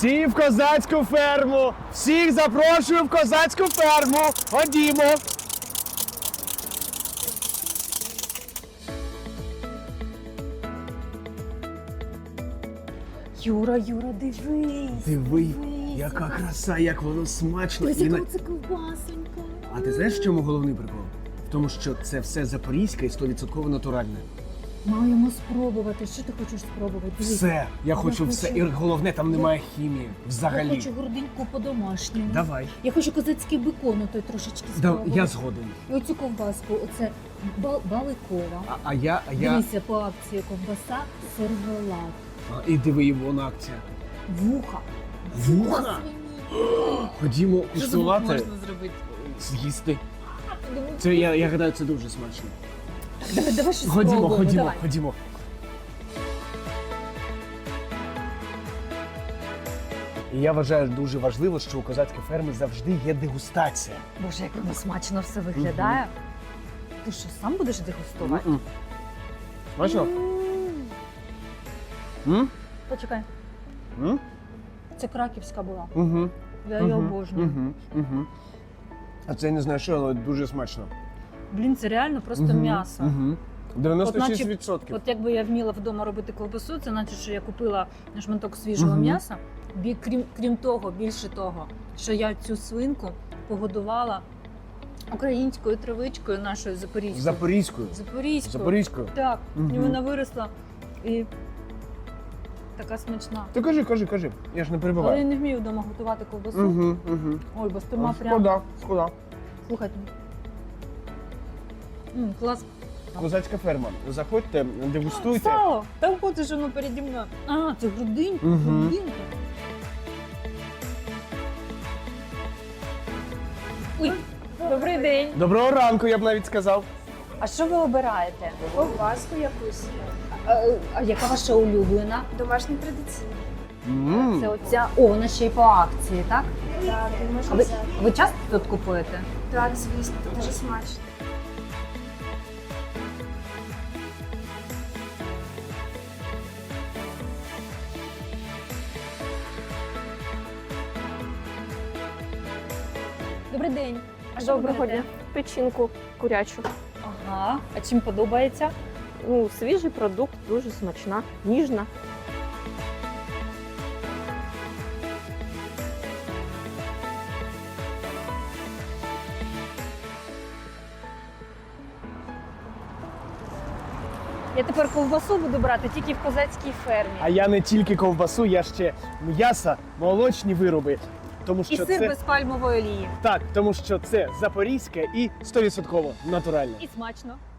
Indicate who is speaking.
Speaker 1: Всі в козацьку ферму! Всіх запрошую в козацьку ферму! Ходімо!
Speaker 2: Юра, дивись.
Speaker 1: Диви, яка краса, як воно смачно.
Speaker 2: Дивись,
Speaker 1: І
Speaker 2: яка це ковбасонька.
Speaker 1: А ти знаєш, в чому головний прикол? В тому, що це все запорізьке і 100% натуральне.
Speaker 2: Маємо спробувати. Що ти хочеш спробувати? Дивись.
Speaker 1: Все, я хочу все. І головне, там немає хімії.
Speaker 2: Я
Speaker 1: Взагалі.
Speaker 2: хочу грудиньку по-домашньому.
Speaker 1: Давай.
Speaker 2: Я хочу козацький бекон, той трошечки
Speaker 1: Да,
Speaker 2: спробувати.
Speaker 1: я згоден.
Speaker 2: І оцю ковбаску, оце баликова.
Speaker 1: А я...
Speaker 2: Дивися, по акції ковбаса сервелат.
Speaker 1: І диви, вона акція.
Speaker 2: Вуха.
Speaker 1: Вуха?
Speaker 2: свині.
Speaker 1: Ходімо
Speaker 2: Що з вух
Speaker 1: куштувати,
Speaker 2: можна зробити?
Speaker 1: з'їсти. Це, я гадаю, це дуже смачно.
Speaker 2: Давай щось
Speaker 1: Ходімо,
Speaker 2: спробуємо,
Speaker 1: ходімо,
Speaker 2: давай.
Speaker 1: ходімо. І я вважаю дуже важливо, що у козацькій фермі завжди є дегустація.
Speaker 2: Боже, як воно смачно все виглядає. Ти що, сам будеш дегустувати?
Speaker 1: М-м. Смачно? М?
Speaker 2: Почекай,
Speaker 1: М?
Speaker 2: це краківська була.
Speaker 1: Угу.
Speaker 2: Я її обожнюю.
Speaker 1: Угу. А це я не знаю що, але дуже смачно.
Speaker 2: Блін, це реально просто м'ясо.
Speaker 1: Угу. 96%.
Speaker 2: От якби я вміла вдома робити ковбасу, це значить, що я купила шматок свіжого м'яса. Крім того, більше того, що я цю свинку погодувала українською травичкою нашою запорізькою.
Speaker 1: Запорізькою.
Speaker 2: Запорізькою.
Speaker 1: Запорізькою.
Speaker 2: Так, і
Speaker 1: Мгм.
Speaker 2: вона виросла і така смачна.
Speaker 1: Ти кажи, я ж не
Speaker 2: Але
Speaker 1: перебиваю.
Speaker 2: я не вмію вдома готувати ковбасу.
Speaker 1: Угу.
Speaker 2: Ой, бо стома прям.
Speaker 1: Шкода.
Speaker 2: Слухайте. Клас.
Speaker 1: Козацька ферма. Заходьте, дегустуйте.
Speaker 2: Сало! Там хочеш воно переді мною. А, це грудинка.
Speaker 1: Мгм.
Speaker 2: Грудинка. Ой, добрий день.
Speaker 1: Доброго ранку, я б навіть сказав.
Speaker 2: А що ви обираєте?
Speaker 3: Ковбаску якусь.
Speaker 2: А яка ваша улюблена?
Speaker 3: Домашній традиційний.
Speaker 2: Це оця. О, вона ще й по акції, так?
Speaker 3: Так, і
Speaker 2: А
Speaker 3: можна
Speaker 2: ви,
Speaker 3: взяти.
Speaker 2: ви часто тут купуєте?
Speaker 3: Так, звісно, дуже смачно.
Speaker 2: Добрий день. А що ви
Speaker 4: Доброго
Speaker 2: берете?
Speaker 4: дня. Печінку курячу.
Speaker 2: Ага. А чим подобається?
Speaker 4: Ну, свіжий продукт, дуже смачна, ніжна.
Speaker 2: Я тепер ковбасу буду брати тільки в козацькій фермі.
Speaker 1: А я не тільки ковбасу, я ще м'ясо, молочні вироби. Тому
Speaker 2: І
Speaker 1: що
Speaker 2: сир
Speaker 1: це
Speaker 2: без пальмової олії.
Speaker 1: так, тому що це запорізьке і 100% натуральне.
Speaker 2: І смачно.